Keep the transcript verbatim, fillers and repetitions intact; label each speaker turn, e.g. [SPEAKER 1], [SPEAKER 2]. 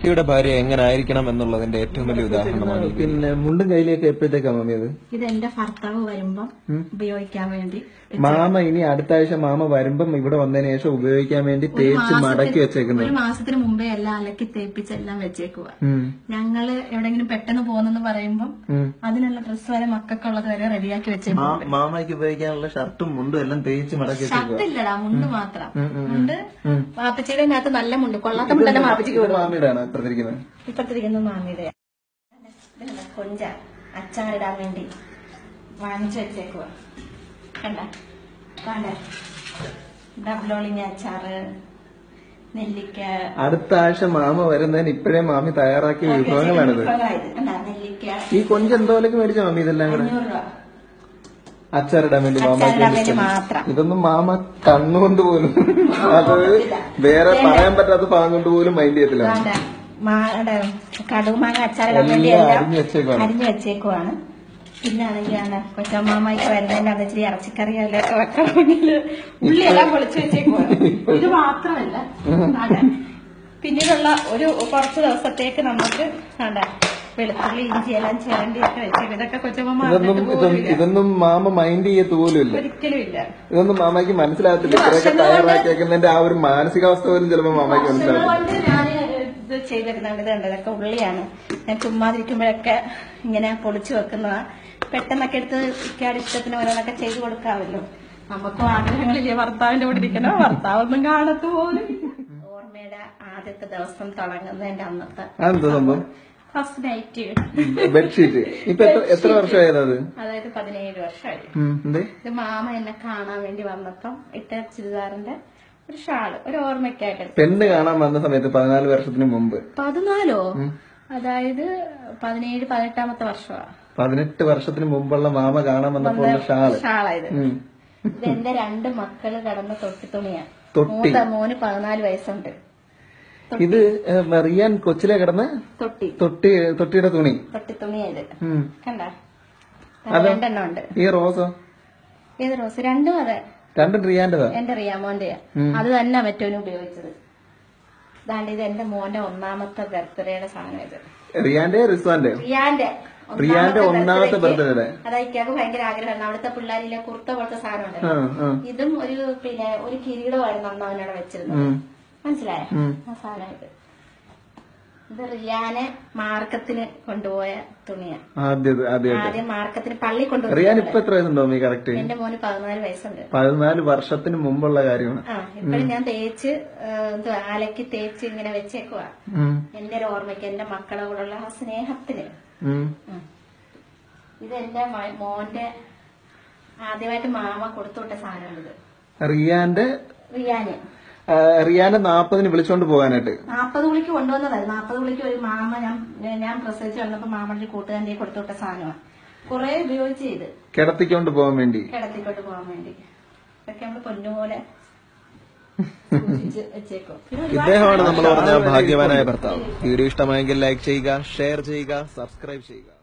[SPEAKER 1] കുട്ടിയുടെ ഭാര്യ എങ്ങനെ ആയിരിക്കണം എന്നുള്ളതിന്റെ ഏറ്റവും വലിയ ഉദാഹരണമാണ്. പിന്നെ മുണ്ടും കയ്യിലേക്ക് എപ്പോഴത്തേക്കാ മാമി അത്?
[SPEAKER 2] ഇത് എന്റെ ഭർത്താവ് വരുമ്പം ഉപയോഗിക്കാൻ വേണ്ടി.
[SPEAKER 1] മാമ ഇനി അടുത്ത ആഴ്ച മാമ വരുമ്പം ഇവിടെ വന്നതിന് ശേഷം ഉപയോഗിക്കാൻ വേണ്ടി തേച്ച് മടക്കി വെച്ചേക്കുന്നത്.
[SPEAKER 2] ഒരു മാസത്തിന് മുമ്പേ എല്ലാം അലക്കി തേപ്പിച്ചെല്ലാം വെച്ചേക്കുക. ഞങ്ങള് എവിടെങ്കിലും പെട്ടെന്ന് പോകുന്നെന്ന് പറയുമ്പം അതിനുള്ള ഡ്രസ്സ് വരെ മക്കൾക്കുള്ളത് വരെ റെഡിയാക്കി വെച്ചേക്കും.
[SPEAKER 1] മാമയ്ക്ക് ഉപയോഗിക്കാനുള്ള ഷർട്ടും മുണ്ടും എല്ലാം തേച്ച് മടക്കി.
[SPEAKER 2] ഷർട്ടില്ലടാ, മുണ്ട് മാത്രം. മുണ്ട് മാപ്പച്ചിയുടെ അകത്ത് നല്ല മുണ്ട്, കൊള്ളാത്ത മുണ്ടല്ല മാപ്പച്ചിക്ക്.
[SPEAKER 1] മാമിയുടെ ആണ് ഇപ്പത്തിരിക്കുന്നത്.
[SPEAKER 2] ഇപ്പത്തിരിക്കുന്നത് മാമിയുടെ. കൊഞ്ച അച്ചാറിടാൻ വേണ്ടി വാങ്ങിച്ചു വെച്ചേക്കുക. കണ്ട കണ്ട ഡബ്ലോളിങ് അച്ചാറ്, നെല്ലിക്ക.
[SPEAKER 1] അടുത്ത ആഴ്ച മാമ വരുന്നതിന് ഇപ്പോഴേ മാമി തയ്യാറാക്കിയ വിഭവങ്ങളാണിത്.
[SPEAKER 2] നെല്ലിക്ക.
[SPEAKER 1] ഈ കൊഞ്ച് എന്തോലൊക്കെ മേടിച്ച മാമി ഇതെല്ലാം കൂടെ അച്ചാറിടാൻ വേണ്ടി മാമ
[SPEAKER 2] മാത്രം.
[SPEAKER 1] ഇതൊന്നും മാമ കണ്ണുകൊണ്ട് പോലും, അത് വേറെ പറയാൻ പറ്റാത്ത ഭാഗം കൊണ്ട് പോലും മൈൻഡ് ചെയ്യത്തില്ല.
[SPEAKER 2] കടുമാങ്ങ അച്ചാറിടാൻ വേണ്ടി അരിഞ്ഞു വെച്ചേക്കുവാണ്. പിന്നാണെങ്കിൽ കൊച്ചമ്മാമ്മയ്ക്ക് വരുന്നതിന്റെ അത് ഇച്ചിരി ഇറച്ചിക്കറിയൊക്കെ വെക്കണമെങ്കിൽ ഉള്ളിയെല്ലാം പൊളിച്ചു വെച്ചേക്കുവാണ്. ഇത് മാത്രമല്ല, പിന്നീടുള്ള ഒരു കുറച്ച് ദിവസത്തേക്ക് നമുക്ക് വെളുത്തുള്ളി ഇഞ്ചി എല്ലാം ചിരണ്ടിയൊക്കെ വെച്ചേക്കും. ഇതൊക്കെ കൊച്ചമ്മ
[SPEAKER 1] ഇതൊന്നും മാമ മൈൻഡ് ചെയ്യത്ത് പോലും ഇല്ല,
[SPEAKER 2] ഒരിക്കലും ഇല്ല.
[SPEAKER 1] ഇതൊന്നും മാമയ്ക്ക് മനസ്സിലാകത്തില്ല. ഇത്രയൊക്കെ തയ്യാറാക്കിയേക്കുന്നതിന്റെ ആ ഒരു മാനസികാവസ്ഥ പോലും ചിലപ്പോ മാമയ്ക്ക് മനസ്സിലാവും.
[SPEAKER 2] ഞാൻ ഇത് ചെയ്തിരുന്നുണ്ട്. ഇതുണ്ട്, ഇതൊക്കെ ഉള്ളിയാണ്. ഞാൻ ചുമ്മാതിരിക്കുമ്പോഴൊക്കെ ഇങ്ങനെ പൊളിച്ചു വെക്കുന്നതാ. പെട്ടെന്നൊക്കെ എടുത്ത് ഇക്കാട് ഇഷ്ടത്തിന് ഓരോന്നൊക്കെ ചെയ്തു കൊടുക്കാമല്ലോ. നമുക്കും ആഗ്രഹങ്ങളില്ലേ ഭർത്താവിന്റെ കൂടെ ഇരിക്കണോ, ഭർത്താവൊന്നും കാണത്തു പോലും. ഓർമ്മയുടെ ആദ്യത്തെ ദിവസം തുടങ്ങുന്നതിന്റെ അന്നത്തെ ഫസ്റ്റ് നൈറ്റ്
[SPEAKER 1] ബെഡ്ഷീറ്റ്. ഇപ്പൊ എത്ര വർഷമായത്?
[SPEAKER 2] അതായത് പതിനേഴ് വർഷമായി. ഇത് മാമ എന്നെ കാണാൻ വേണ്ടി വന്നപ്പം ഇട്ട ചുരിദാറിന്റെ ഒരു ഷാള്, ഒരു ഓർമ്മയ്ക്കായിട്ട്.
[SPEAKER 1] പെണ്ണ് കാണാൻ വന്ന സമയത്ത് പതിനാല് വർഷത്തിന് മുമ്പ്.
[SPEAKER 2] പതിനാലോ? അതായത് പതിനേഴ് പതിനെട്ടാമത്തെ വർഷമാണ്.
[SPEAKER 1] പതിനെട്ട് വർഷത്തിന് മുമ്പുള്ള മാമ കാണാൻ വന്നപ്പോൾ ഷാള്
[SPEAKER 2] ഷാളായത്. ഇത് എന്റെ രണ്ട് മക്കള് കടന്ന തൊട്ടി തുണിയാണ്. മൂത്ത മോന് പതിനാല് വയസ്സുണ്ട്.
[SPEAKER 1] ഇത് റിയാൻ കൊച്ചിലെ കിടന്ന് തൊട്ടി തൊട്ടി തൊട്ടിയുടെ തുണി
[SPEAKER 2] തൊട്ടി തുണിയത് കണ്ട. രണ്ടെണ്ണം ഉണ്ട്.
[SPEAKER 1] ഈ റോസോ?
[SPEAKER 2] ഏത് റോസ്? രണ്ടും അതെ,
[SPEAKER 1] രണ്ടും റിയാന്റെതാ.
[SPEAKER 2] എന്റെ റിയാമോന്റെയാ. അത് തന്നെ മറ്റോനും ഉപയോഗിച്ചത്. ഇതാണ്ട് ഇത് എന്റെ മോന്റെ ഒന്നാമത്തെ ബർത്ത്ഡേയുടെ സാധനം. ഇത്
[SPEAKER 1] റിയാന്റെ റിസ്വാന്റെ
[SPEAKER 2] റിയാന്റെ
[SPEAKER 1] റിയാന്റെ ഒന്നാമത്തെ ബർത്ത്ഡേ.
[SPEAKER 2] അതായത് ഭയങ്കര ആഗ്രഹമായിരുന്നു. അവിടുത്തെ പിള്ളേരിലെ കുർത്ത പോലത്തെ സാധനം ഉണ്ട്. ഇതും ഒരു പിന്നെ ഒരു കിരീടമായിരുന്നു അന്ന് അവനോട് വെച്ചിരുന്നത്. മനസ്സിലായ ആ സാധനം. ഇത് ഇത് റിയാനെ മാർക്കത്തിന് കൊണ്ടുപോയ തുണിയാണ്. ആദ്യം മാർക്കത്തിന് പള്ളി കൊണ്ടുപോയി.
[SPEAKER 1] റിയാൻ ഇപ്പൊ എത്ര വയസ്സുണ്ടോ? കറക്റ്റ്
[SPEAKER 2] എന്റെ മോന് പതിനാല് വയസ്സുണ്ട്.
[SPEAKER 1] പതിനാല് വർഷത്തിന് മുമ്പുള്ള കാര്യമാണ്.
[SPEAKER 2] ആ ഇപ്പഴും ഞാൻ തേച്ച് അലക്കി തേച്ച് ഇങ്ങനെ വെച്ചേക്കുവാ. എന്റെ ഒരു ഓർമ്മയ്ക്ക്, എന്റെ മക്കളെ കൂടെയുള്ള ആ സ്നേഹത്തിന്. ഇത് എന്റെ മോന്റെ ആദ്യമായിട്ട് മാമ കൊടുത്തുവിട്ട സാധനമാണിത്.
[SPEAKER 1] റിയാന്റെ
[SPEAKER 2] റിയാന്
[SPEAKER 1] റിയാനെ നാപ്പതിന് വിളിച്ചോണ്ട് പോകാനായിട്ട്
[SPEAKER 2] നാപ്പത് വിളിക്ക് കൊണ്ടുവന്നതായിരുന്നു. നാപ്പത് വിളിക്ക് ഒരു മാമ ഞാൻ ഞാൻ പ്രസവിച്ച് വന്നപ്പോ മാമന്റെ കൂട്ടുകാരന്റെ കൊടുത്തുവിട്ട സാധനമാണ്. കുറെ ഉപയോഗിച്ച് ചെയ്ത്
[SPEAKER 1] കിടത്തിക്കൊണ്ട് പോകാൻ വേണ്ടി
[SPEAKER 2] കിടത്തിക്കൊണ്ട് പോകാൻ വേണ്ടി ഇതൊക്കെ നമ്മള് പൊന്നുപോലെ വെച്ചേക്കും.
[SPEAKER 1] ഇദ്ദേഹമാണ് നമ്മൾ പറഞ്ഞ ഭാഗ്യവാനായ ഭർത്താവ്. വീഡിയോ ഇഷ്ടമായെങ്കിൽ ലൈക്ക് ചെയ്യുക, ഷെയർ ചെയ്യുക, സബ്സ്ക്രൈബ് ചെയ്യുക.